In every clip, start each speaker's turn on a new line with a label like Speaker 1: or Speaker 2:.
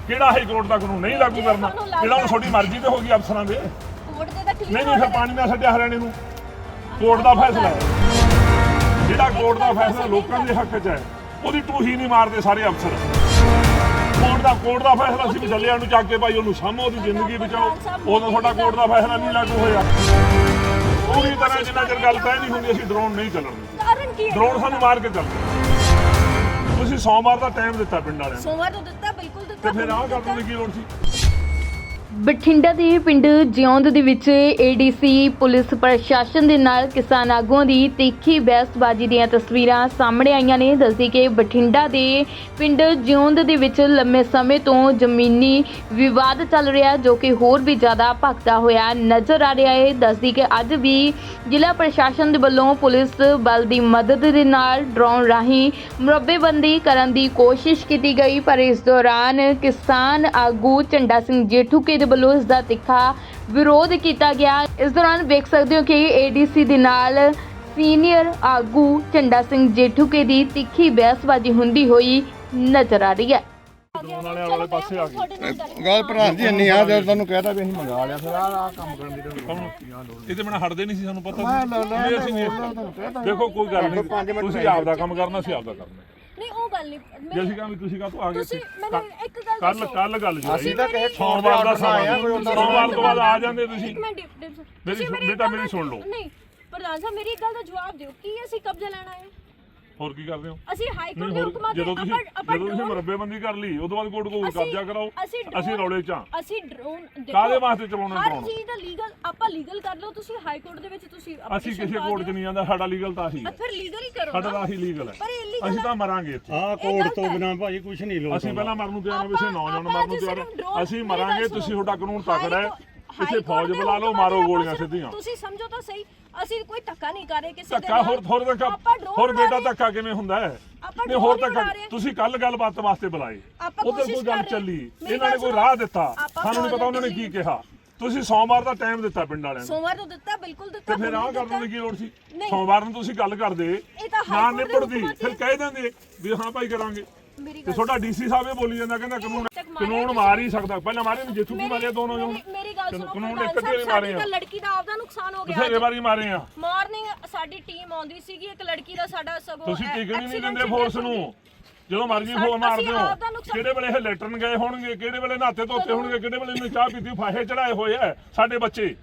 Speaker 1: ਕਿਹੜਾ high court ਦਾ ਕਾਨੂੰਨ ਨਹੀਂ ਲਾਗੂ ਕਰਨਾ ਜਿਹੜਾ ਹੁਣ ਤੁਹਾਡੀ ਮਰਜ਼ੀ ਤੇ ਹੋ ਗਈ ਅਫਸਰਾਂ ਦੇ ਨਹੀਂ ਫਿਰ ਪਾਣੀ ਨਾਲ ਛੱਡਿਆ ਹਰਿਆਣੇ ਨੂੰ ਕੋਰਟ ਦਾ ਫੈਸਲਾ ਹੈ ਜਿਹੜਾ ਕੋਰਟ ਦਾ ਫੈਸਲਾ ਲੋਕਾਂ ਦੇ ਹੱਕ 'ਚ ਹੈ ਉਹਦੀ ਟੂਹੀ ਨਹੀਂ ਮਾਰਦੇ ਸਾਰੇ ਅਫਸਰ ਕੋਰਟ ਦਾ ਫੈਸਲਾ ਸੀ ਵੀ ਜੱਲਿਆਂ ਨੂੰ ਚੱਕ ਕੇ ਭਾਈ ਉਹਨੂੰ ਸਾਹਮੋ ਉਹਦੀ ਜ਼ਿੰਦਗੀ ਬਚਾਓ ਉਦੋਂ ਤੁਹਾਡਾ ਕੋਰਟ ਦਾ ਫੈਸਲਾ ਨਹੀਂ ਲਾਗੂ ਹੋਇਆ ਪੂਰੀ ਤਰ੍ਹਾਂ ਜਿੰਨਾ ਚਿਰ ਗੱਲ ਤੈਅ ਨਹੀਂ ਹੁੰਦੀ ਅਸੀਂ ਡਰੋਨ ਨਹੀਂ ਚੱਲਣਗੇ ਡਰੋਨ ਸਾਨੂੰ ਮਾਰ ਕੇ ਚੱਲਦੇ ਤੁਸੀਂ ਸੋਮਵਾਰ ਦਾ ਟਾਈਮ ਦਿੱਤਾ ਪਿੰਡ ਵਾਲਿਆਂ ਨੂੰ
Speaker 2: ਸੋਮਵਾਰ ਨੂੰ ਦਿੱਤਾ ਬਿਲਕੁਲ ਦਿੱਤਾ
Speaker 1: ਤੇ ਫਿਰ ਆਹ ਕਰਨ ਦੀ ਕੀ ਲੋੜ ਸੀ
Speaker 3: ਬਠਿੰਡਾ ਦੇ ਪਿੰਡ ਜਿਉਂਦ ਦੇ ਵਿੱਚ ਏਡੀਸੀ ਪੁਲਿਸ ਪ੍ਰਸ਼ਾਸਨ ਦੇ ਨਾਲ ਕਿਸਾਨ ਆਗੂਆਂ ਦੀ ਤਿੱਖੀ ਬਹਿਸਬਾਜ਼ੀ ਦੀਆਂ ਤਸਵੀਰਾਂ ਸਾਹਮਣੇ ਆਈਆਂ ਨੇ। ਦੱਸਦੀ ਕਿ ਬਠਿੰਡਾ ਦੇ ਪਿੰਡ ਜਿਉਂਦ ਦੇ ਵਿੱਚ ਲੰਮੇ ਸਮੇਂ ਤੋਂ ਜ਼ਮੀਨੀ ਵਿਵਾਦ ਚੱਲ ਰਿਹਾ ਜੋ ਕਿ ਹੋਰ ਵੀ ਜ਼ਿਆਦਾ ਭਖਦਾ ਹੋਇਆ ਨਜ਼ਰ ਆ ਰਿਹਾ ਹੈ। ਦੱਸਦੀ ਕਿ ਅੱਜ ਵੀ ਜ਼ਿਲ੍ਹਾ ਪ੍ਰਸ਼ਾਸਨ ਦੇ ਵੱਲੋਂ ਪੁਲਿਸ ਬਲ ਦੀ ਮਦਦ ਦੇ ਨਾਲ ਡਰੋਨ ਰਾਹੀਂ ਮੁਰੱਬੇਬੰਦੀ ਕਰਨ ਦੀ ਕੋਸ਼ਿਸ਼ ਕੀਤੀ ਗਈ ਪਰ ਇਸ ਦੌਰਾਨ ਕਿਸਾਨ ਆਗੂ ਝੰਡਾ ਸਿੰਘ ਜੇਠੂਕੇ ਵੱਲੋਂ ਇਸ ਦਾ ਤਿੱਖਾ ਵਿਰੋਧ ਕੀਤਾ ਗਿਆ। ਇਸ ਦੌਰਾਨ ਵੇਖ ਸਕਦੇ ਹੋ ਕਿ ਏਡੀਸੀ ਦੇ ਨਾਲ ਸੀਨੀਅਰ ਆਗੂ ਝੰਡਾ ਸਿੰਘ ਜੇਠੂਕੇ ਦੀ ਤਿੱਖੀ ਬਹਿਸਬਾਜ਼ੀ ਹੁੰਦੀ ਹੋਈ ਨਜ਼ਰ ਆ ਰਹੀ ਹੈ।
Speaker 1: ਵਾਲੇ ਪਾਸੇ ਆ ਗਏ
Speaker 4: ਗੱਲ ਪ੍ਰਧਾਨ ਜੀ ਇੰਨੀ ਆ ਜਦ ਤੁਹਾਨੂੰ ਕਹਿਤਾ ਵੀ ਅਸੀਂ ਮੰਗਾ ਲਿਆ ਫਿਰ ਆਹ ਕੰਮ ਕਰਨ ਦੀ
Speaker 1: ਇਹਦੇ ਬਿਨਾਂ ਹਟਦੇ ਨਹੀਂ ਸੀ ਸਾਨੂੰ ਪਤਾ ਸੀ ਅਸੀਂ ਦੇਖੋ ਕੋਈ ਗੱਲ ਨਹੀਂ ਤੁਸੀਂ ਆਪ ਦਾ ਕੰਮ ਕਰਨਾ ਸੀ ਆਪ ਦਾ ਕਰਨਾ
Speaker 2: ਨਹੀਂ ਉਹ ਗੱਲ ਨਹੀਂ
Speaker 1: ਜੇ ਅਸੀਂ ਕਹਿੰਦੇ ਤੁਸੀਂ ਕਾਹਤੋਂ ਆ ਗਏ
Speaker 2: ਤੁਸੀਂ ਮੈਨੂੰ ਇੱਕ ਗੱਲ
Speaker 1: ਕੱਲ ਗੱਲ ਜੀ
Speaker 4: ਅਸੀਂ ਤਾਂ ਕਹੇ
Speaker 1: ਸੋਮਵਾਰ ਦਾ ਸਮਾਂ ਸੋਮਵਾਰ ਤੋਂ ਬਾਅਦ ਆ ਜਾਂਦੇ ਤੁਸੀਂ
Speaker 2: ਇੱਕ ਮਿੰਟ
Speaker 1: ਮੇਰੀ ਸੁਣ ਲਓ
Speaker 2: ਨਹੀਂ ਪ੍ਰਧਾਨ ਸਾਹਿਬ ਮੇਰੀ ਇੱਕ ਗੱਲ ਦਾ ਜਵਾਬ ਦਿਓ ਕੀ ਅਸੀਂ ਕਬਜ਼ਾ ਲੈਣਾ ਹੈ
Speaker 1: ਹੋਰ ਕੀ ਕਰਦੇ ਹੋ
Speaker 2: ਅਸੀਂ ਹਾਈ ਕੋਰਟ ਦੇ ਹੁਕਮਾਂ ਤੇ
Speaker 1: ਜਦੋਂ ਤੁਸੀਂ ਮੁਰੱਬੇਬੰਦੀ ਕਰ ਲਈ ਉਦੋਂ ਬਾਅਦ ਕੋਰਟ ਕੋਲ ਕਬਜ਼ਾ ਕਰਾਓ ਅਸੀਂ ਰੌਲੇ ਚ
Speaker 2: ਅਸੀਂ ਡਰੋਨ
Speaker 1: ਕਾਹਦੇ ਵਾਸਤੇ ਚਲਾਉਣਾ
Speaker 2: ਹਰ ਚੀਜ਼ ਦਾ ਲੀਗਲ ਆਪਾਂ ਲੀਗਲ ਕਰ ਲਓ ਤੁਸੀਂ ਹਾਈ ਕੋਰਟ ਦੇ ਵਿੱਚ ਤੁਸੀਂ
Speaker 1: ਅਸੀਂ ਕਿਸੇ ਕੋਰਟ 'ਚ ਨਹੀਂ ਜਾਂਦਾ ਸਾਡਾ ਲੀਗਲ ਤਾਂ ਆਹੀ ਹੈ
Speaker 2: ਫਿਰ ਲੀਗਲ ਹੀ ਕਰੋ
Speaker 1: ਸਾਡਾ ਤਾਂ ਆਹੀ ਲੀਗਲ ਹੈ ਅਸੀਂ ਤਾਂ ਮਰਾਂਗੇ ਇੱਥੇ
Speaker 4: ਆਹ ਕੋਰਟ ਤੋਂ ਬਿਨਾਂ ਭਾਜੀ ਕੁਝ ਨਹੀਂ ਲੋਕ
Speaker 1: ਅਸੀਂ ਪਹਿਲਾਂ ਮਰਨ ਨੂੰ ਤਿਆਰ ਹਾਂ ਵੈਸੇ ਨੌਜਵਾਨ ਮਰਨ ਨੂੰ ਤਿਆਰ ਅਸੀਂ ਮਰਾਂਗੇ ਤੁਸੀਂ ਤੁਹਾਡਾ ਕਾਨੂੰਨ ਤਕੜਾ ਹੈ ਕਿਸੇ ਫੌਜ ਬੁਲਾ ਲਓ ਮਾਰੋ ਗੋਲੀਆਂ ਸਿੱਧੀਆਂ
Speaker 2: ਤੁਸੀਂ ਸਮਝੋ ਤਾਂ ਸਹੀ ਅਸੀਂ ਕੋਈ ਧੱਕਾ ਨਹੀਂ ਕਰ ਰਹੇ ਕਿਸੇ
Speaker 1: ਧੱਕਾ ਹੋਰ ਬੇਟਾ ਧੱਕਾ ਕਿਵੇਂ ਹੁੰਦਾ ਹੈ ਨਹੀਂ ਹੋਰ ਧੱਕਾ ਤੁਸੀਂ ਕੱਲ ਗੱਲਬਾਤ ਵਾਸਤੇ ਬੁਲਾਏ ਉਧਰ ਕੋਈ ਗੱਲ ਚੱਲੀ ਇਹਨਾਂ ਨੇ ਕੋਈ ਰਾਹ ਦਿੱਤਾ ਸਾਨੂੰ ਨਹੀਂ ਪਤਾ ਉਹਨਾਂ ਨੇ ਕੀ ਕਿਹਾ ਤੁਸੀਂ ਸੋਮਵਾਰ ਦਾ ਟਾਈਮ ਦਿੱਤਾ ਪਿੰਡ ਵਾਲਿਆਂ ਨੂੰ
Speaker 2: ਸੋਮਵਾਰ ਨੂੰ ਦਿੱਤਾ ਬਿਲਕੁਲ ਦਿੱਤਾ
Speaker 1: ਤੇ ਫਿਰ ਆਹ ਕਰਨ ਦੀ ਕੀ ਲੋੜ ਸੀ ਸੋਮਵਾਰ ਨੂੰ ਤੁਸੀਂ ਗੱਲ ਕਰਦੇ ਨਾ ਨਿਬੜਦੀ ਫਿਰ ਕਹਿ ਦਿੰਦੇ ਵੀ ਹਾਂ ਭਾਈ ਕਰਾਂਗੇ ਤੇ ਤੁਹਾਡਾ ਡੀਸੀ ਸਾਹਿਬ ਇਹ ਬੋਲੀ ਜਾਂਦਾ ਕਹਿੰਦਾ ਕਾਨੂੰਨ ਮਾਰ ਹੀ ਸਕਦਾ ਪਹਿਲਾਂ ਮਾਰੇ ਨੇ ਜਿੱਥੂ ਵੀ ਮਾਰੇ ਦੋਨੋਂ ਜਣ
Speaker 2: ਮੇਰੀ ਗੱਲ ਸੁਣੋ
Speaker 1: ਕਾਨੂੰਨ ਇੱਕ ਤੇ ਮਾਰੇ ਆ
Speaker 2: ਲੜਕੀ ਦਾ ਆਪਦਾ ਨੁਕਸਾਨ ਹੋ ਗਿਆ
Speaker 1: ਬਥੇਰੇ ਵਾਰੀ ਮਾਰੇ ਆ
Speaker 2: ਮਾਰਨਿੰਗ ਸਾਡੀ ਟੀਮ ਆਉਂਦੀ ਸੀਗੀ ਇੱਕ ਲੜਕੀ ਦਾ ਸਾਡਾ ਸਗੋਂ
Speaker 1: ਤੁਸੀਂ ਟਿਕਣ ਨਹੀਂ ਦਿੰਦੇ ਫੋਰਸ ਨੂੰ ਜਦੋਂ ਮਰਜ਼ੀ ਫੋਨ ਮਾਰਦੇ ਹੋ ਕਿਹੜੇ ਵੇਲੇ ਇਹ ਲੈਟਰਨ ਗਏ ਹੋਣਗੇ ਕਿਹੜੇ ਵੇਲੇ ਨਹਾਤੇ ਧੋਤੇ ਹੋਣਗੇ ਕਿਹੜੇ ਵੇਲੇ ਇਹਨੇ ਚਾਹ ਪੀਤੀ ਫਾਹੇ ਚੜਾਏ ਹੋਏ ਆ ਸਾਡੇ ਬੱਚੇ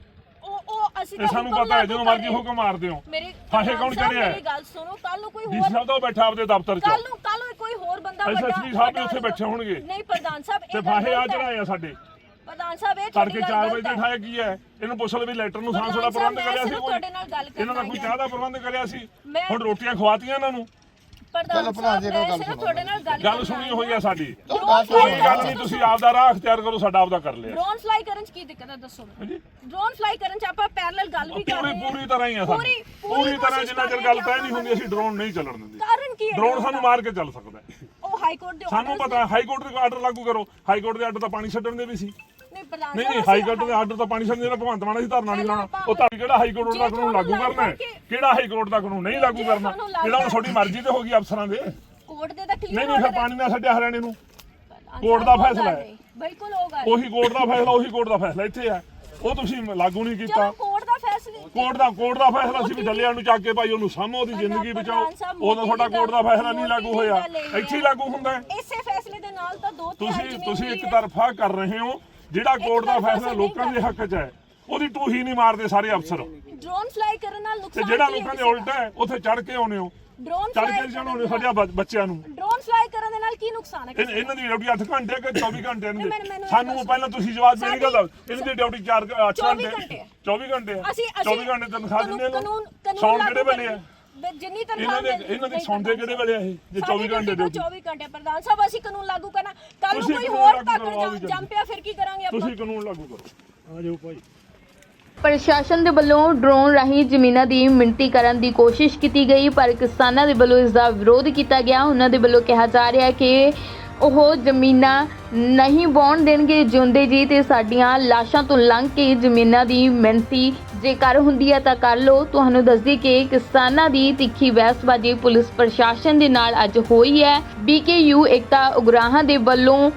Speaker 2: ਅਸੀਂ
Speaker 1: ਇਹ ਸਾਨੂੰ ਪਤਾ ਹੈ ਜਦੋਂ ਮਰਜ਼ੀ ਹੁਕਮ ਮਾਰਦੇ ਹੋ ਫਾਹੇ ਕੌਣ ਚੜਿਆ
Speaker 2: ਮੇਰੀ ਗੱਲ ਸੁਣੋ ਕੱਲ ਨੂੰ ਕੋਈ
Speaker 1: ਡੀਸੀ
Speaker 2: ਹੋਰ
Speaker 1: ਸਾਹਿਬ ਤਾਂ ਬੈਠਾ ਆਪਦੇ ਦਫ਼ਤਰ 'ਚ
Speaker 2: ਕੱਲ ਨੂੰ ਕੋਈ ਹੋਰ ਬੰਦਾ ਵੱਡਾ
Speaker 1: ਐਸਐਸਪੀ ਸਾਹਿਬ ਵੀ ਉੱਥੇ ਬੈਠੇ ਹੋਣਗੇ
Speaker 2: ਨਹੀਂ ਪ੍ਰਧਾਨ ਸਾਹਿਬ
Speaker 1: ਤੇ ਫਾਹੇ ਆ ਚੜਾਏ ਆ ਸਾਡੇ
Speaker 2: ਪ੍ਰਧਾਨ ਸਾਹਿਬ ਇਹ
Speaker 1: ਤੜਕੇ 4 ਵਜੇ ਤੇ ਠਾਇਆ ਕੀ ਹੈ ਇਹਨੂੰ ਪੁੱਛ ਲਓ ਵੀ ਲੈਟਰ ਨੂੰ ਸਾਂਸ ਵਾਲਾ ਪ੍ਰਬੰਧ ਕਰਿਆ ਸੀ ਕੋਈ ਇਹਨਾਂ ਦਾ ਕੋਈ ਚਾਹ ਦਾ ਪ੍ਰਬੰਧ ਕਰਿਆ ਸੀ ਹੁਣ ਰੋਟੀਆਂ ਖਵਾਤੀਆਂ ਇਹਨਾਂ ਨੂੰ
Speaker 2: ਪ੍ਰਧਾਨ ਸਾਹਿਬ ਤੁਹਾਡੇ ਨਾਲ
Speaker 1: ਗੱਲ ਸੁਣੀ ਹੋਈ ਹੈ ਸਾਡੀ ਕੋਈ ਗੱਲ ਨਹੀਂ ਤੁਸੀਂ ਆਪਦਾ ਰਾਹ ਅਖਤਿਆਰ ਕਰੋ ਸਾਡਾ ਆਪਦਾ ਕਰ ਲਿਆ
Speaker 2: ਡਰੋਨ ਫਲਾਈ ਕਰਨ ਚ ਕੀ ਦਿੱਕਤ ਹੈ ਦੱਸੋ ਡਰੋਨ ਫਲਾਈ ਕਰਨ ਚ ਆਪਾਂ ਪੈਰਲਲ ਗੱਲ ਵੀ ਕਰ ਰਹੇ ਹਾਂ
Speaker 1: ਪੂਰੀ ਤਰ੍ਹਾਂ ਹੀ ਆ ਸਾਡੀ ਪੂਰੀ ਤਰ੍ਹਾਂ ਜਿੰਨਾ ਚਿਰ ਗੱਲ ਤੈਅ ਨਹੀਂ ਹੁੰਦੀ ਅਸੀਂ ਡਰੋਨ ਨਹੀਂ ਚੱਲਣ ਦਿੰਦੇ
Speaker 2: ਕਾਰਨ ਕੀ ਹੈ
Speaker 1: ਡਰੋਨ ਸਾਨੂੰ ਮਾਰ ਕੇ ਚੱਲ ਸਕਦਾ
Speaker 2: ਉਹ ਹਾਈ ਕੋਰਟ ਦੇ
Speaker 1: ਸਾਨੂੰ ਪਤਾ ਹਾਈ ਕੋਰਟ ਦੇ ਆਰਡਰ ਲਾਗੂ ਕਰੋ ਹਾਈ ਕੋਰਟ ਦੇ ਆਰਡਰ ਤਾਂ ਪਾਣੀ ਛੱਡਣ ਦੇ ਵੀ ਸੀ
Speaker 2: ਨਹੀਂ
Speaker 1: ਹਾਈ ਕੋਰਟ ਦੇ ਆਰਡਰ ਤਾਂ ਪਾਣੀ ਛੱਡਣ ਦੇ ਭਗਵੰਤ ਮਾਨ ਸੀ ਧਰਨਾ ਨਹੀਂ ਲਾਉਣਾ ਉਹ ਤਾਂ ਕਿਹੜਾ ਹਾਈ ਕੋਰਟ ਦਾ ਕਾਨੂੰਨ ਲਾਗੂ ਕਰਨਾ ਹੈ ਕਿਹੜਾ ਹਾਈ ਕੋਰਟ ਦਾ ਕਾਨੂੰਨ ਨਹੀਂ ਲਾਗੂ ਕਰਨਾ ਜਿਹੜਾ ਹੁਣ ਤੁਹਾਡੀ ਮਰਜ਼ੀ ਤੇ ਹੋ ਗਈ ਅਫਸਰਾਂ ਦੇ
Speaker 2: ਕੋਰਟ ਦੇ ਤਾਂ ਕਲੀਅਰ
Speaker 1: ਨਹੀਂ ਫਿਰ ਪਾਣੀ ਨਾਲ ਛੱਡਿਆ ਹਰਿਆਣੇ ਨੂੰ ਕੋਰਟ ਦਾ ਫੈਸਲਾ ਹੈ
Speaker 2: ਬਿਲਕੁਲ ਹੋਗਾ
Speaker 1: ਉਹੀ ਕੋਰਟ ਦਾ ਫੈਸਲਾ ਇੱਥੇ ਹੈ ਉਹ ਤੁਸੀਂ ਲਾਗੂ ਨਹੀਂ ਕੀਤਾ
Speaker 2: ਕੋਰਟ ਦਾ ਫੈਸਲਾ
Speaker 1: ਕੋਰਟ ਦਾ ਫੈਸਲਾ ਸੀ ਵੀ ਜੱਲਿਆਂ ਨੂੰ ਚੱਕ ਕੇ ਭਾਈ ਉਹਨੂੰ ਸਾਹਮੋ ਉਹਦੀ ਜ਼ਿੰਦਗੀ ਬਚਾਓ ਉਦੋਂ ਤੁਹਾਡਾ ਕੋਰਟ ਦਾ ਫੈਸਲਾ ਨਹੀਂ ਲਾਗੂ ਹੋਇਆ ਇੱਥੇ ਹੀ ਲਾਗੂ ਹੁੰਦਾ ਹੈ
Speaker 2: ਇਸੇ ਫੈਸਲੇ ਦੇ ਨਾਲ ਤਾਂ ਦੋ
Speaker 1: ਤੁਸੀਂ ਇੱਕ ਤਰਫਾ ਕਰ ਰਹੇ ਹੋ ਜਿਹੜਾ ਕੋਰਟ ਦਾ ਫੈਸਲਾ ਲੋਕਾਂ ਦੇ ਹੱਕ 'ਚ ਹੈ ਉਹਦੀ ਟੂਹੀ ਨਹੀਂ ਮਾਰਦੇ ਸਾਰੇ ਅਫਸਰ
Speaker 2: ਡਰੋਨ ਫਲਾਈ ਕਰਨ ਨਾਲ ਨੁਕਸਾਨ
Speaker 1: ਤੇ ਜਿਹੜਾ ਲੋਕਾਂ ਦੇ ਉਲਟਾ ਹੈ ਉੱਥੇ ਚੜ ਕੇ ਆਉਨੇ ਹੋ ਚੜ ਕੇ ਜਾਣੋ ਸਾਡੇ ਬੱਚਿਆਂ ਨੂੰ
Speaker 2: ਡਰੋਨ ਫਲਾਈ ਕਰਨ ਦੇ ਨਾਲ ਕੀ ਨੁਕਸਾਨ ਹੈ
Speaker 1: ਇਹਨਾਂ ਦੀ ਡਿਊਟੀ 8 ਘੰਟੇ ਕਿ 24 ਘੰਟੇ ਇਹਨਾਂ ਦੀ ਸਾਨੂੰ ਪਹਿਲਾਂ ਤੁਸੀਂ ਜਵਾਬ ਮੇਰੀ ਗੱਲ ਇਹਨਾਂ ਦੀ ਡਿਊਟੀ 8 ਘੰਟੇ 24 ਘੰਟੇ 24 ਘੰਟੇ ਤਨਖਾਹ ਦਿੰਦੇ ਨੇ ਸੌਣ ਕਿਹੜੇ ਵੇਲੇ ਆ
Speaker 2: ਜਿੰਨੀ ਤਨਖਾਹ
Speaker 1: ਇਹਨਾਂ ਦੇ ਸੌਂਦੇ ਕਿਹੜੇ ਵੇਲੇ ਆ ਇਹ ਜੇ 24 ਘੰਟੇ ਡਿਊਟੀ
Speaker 2: 24 ਘੰਟੇ ਪ੍ਰਧਾਨ ਸਾਹਿਬ ਅਸੀਂ ਕਾਨੂੰਨ ਲਾਗੂ ਕਰਨਾ ਕੱਲ ਨੂੰ ਕੋਈ ਹੋਰ ਤੱਕ ਜੰਮ ਪਿਆ ਫਿਰ ਕੀ ਕਰਾਂਗੇ ਆਪਾਂ
Speaker 1: ਤੁਸੀਂ ਕਾਨੂੰਨ ਲਾਗੂ ਕਰੋ ਆ ਜਾਓ ਭਾਈ
Speaker 3: ਪ੍ਰਸ਼ਾਸਨ ਦੇ ਵੱਲੋਂ ਡਰੋਨ ਰਾਹੀਂ ਜ਼ਮੀਨਾਂ ਦੀ ਮਿਣਤੀ ਕਰਨ ਦੀ ਕੋਸ਼ਿਸ਼ ਕੀਤੀ ਗਈ ਪਰ ਕਿਸਾਨਾਂ ਦੇ ਵੱਲੋਂ ਇਸ ਦਾ ਵਿਰੋਧ ਕੀਤਾ ਗਿਆ। ਉਹਨਾਂ ਦੇ ਵੱਲੋਂ ਕਿਹਾ ਜਾ ਰਿਹਾ ਹੈ ਕਿ ਉਹ ਜ਼ਮੀਨਾਂ ਨਹੀਂ ਵਾਹੁਣ ਦੇਣਗੇ ਜਿਉਂਦੇ ਜੀ ਤੇ ਸਾਡੀਆਂ ਲਾਸ਼ਾਂ ਤੋਂ ਲੰਘ ਕੇ ਜ਼ਮੀਨਾਂ ਦੀ ਮਿਣਤੀ ਜੇਕਰ ਹੁੰਦੀ ਹੈ ਤਾਂ ਕਰ ਲਓ। ਤੁਹਾਨੂੰ ਦੱਸਦੀ ਕਿ ਕਿਸਾਨਾਂ ਦੀ ਤਿੱਖੀ ਬਹਿਸਬਾਜ਼ੀ ਪੁਲਿਸ ਪ੍ਰਸ਼ਾਸਨ ਦੇ ਨਾਲ ਅੱਜ ਹੋਈ ਹੈ। BKU ਏਕਤਾ ਉਗਰਾਹਾਂ ਦੇ ਵੱਲੋਂ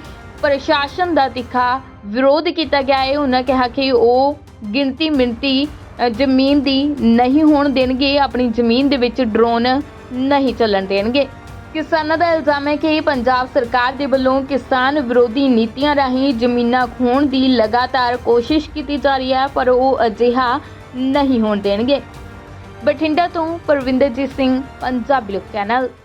Speaker 3: ਪ੍ਰਸ਼ਾਸਨ ਦਾ ਤਿੱਖਾ ਵਿਰੋਧ ਕੀਤਾ ਗਿਆ ਹੈ। ਉਹਨਾਂ ਕਿਹਾ ਕਿ ਉਹ ਗਿਣਤੀ ਮਿਣਤੀ ਜ਼ਮੀਨ ਦੀ ਨਹੀਂ ਹੋਣ ਦੇਣਗੇ, ਆਪਣੀ ਜ਼ਮੀਨ ਦੇ ਵਿੱਚ ਡਰੋਨ ਨਹੀਂ ਚੱਲਣ ਦੇਣਗੇ। ਕਿਸਾਨਾਂ ਦਾ ਇਲਜ਼ਾਮ ਹੈ ਕਿ ਪੰਜਾਬ ਸਰਕਾਰ ਦੇ ਵੱਲੋਂ ਕਿਸਾਨ ਵਿਰੋਧੀ ਨੀਤੀਆਂ ਰਾਹੀਂ ਜ਼ਮੀਨਾਂ ਖੋਹਣ ਦੀ ਲਗਾਤਾਰ ਕੋਸ਼ਿਸ਼ ਕੀਤੀ ਜਾ ਰਹੀ ਹੈ, ਪਰ ਉਹ ਅਜਿਹਾ ਨਹੀਂ ਹੋਣ ਦੇਣਗੇ। ਬਠਿੰਡਾ ਤੋਂ ਪਰਵਿੰਦਰਜੀਤ ਸਿੰਘ, ਪੰਜਾਬੀ ਲੋਕ ਚੈਨਲ।